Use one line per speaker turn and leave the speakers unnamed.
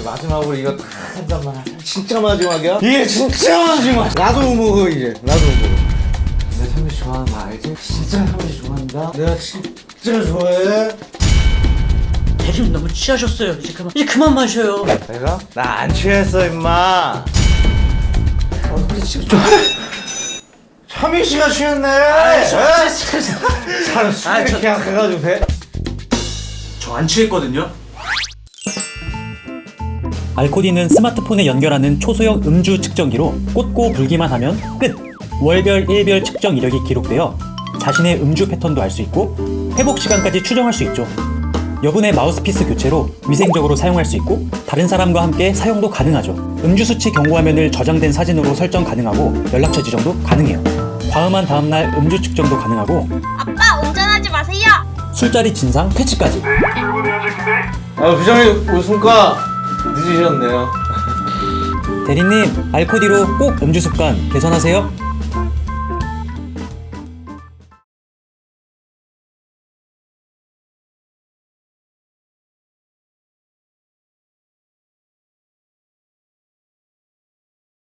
마지막으로 이거 딱 한 잔만 하자. 진짜 마지막이야? 이게 진짜 마지막. 나도 못 먹어 이제. 나도 못 먹어. 내가 선미 좋아하는 거 알지? 진짜 선미 좋아한다. 내가 진짜 좋아해.
대리님 너무 취하셨어요. 이제 그만 마셔요.
내가? 나 안 취했어 임마. 근데 지금 좀 차민 씨가 취했네. 사람 술 계약해가지고 돼?
저 안 취했거든요.
알코디는 스마트폰에 연결하는 초소형 음주 측정기로 꽂고 불기만 하면 끝! 월별, 일별 측정 이력이 기록되어 자신의 음주 패턴도 알 수 있고 회복 시간까지 추정할 수 있죠. 여분의 마우스피스 교체로 위생적으로 사용할 수 있고 다른 사람과 함께 사용도 가능하죠. 음주 수치 경고 화면을 저장된 사진으로 설정 가능하고 연락처 지정도 가능해요. 과음한 다음날 음주 측정도 가능하고
아빠 운전하지 마세요.
술자리 진상 퇴치까지.
부장님 웃음과 늦으셨네요.
대리님, 알코디로 꼭 음주 습관 개선하세요.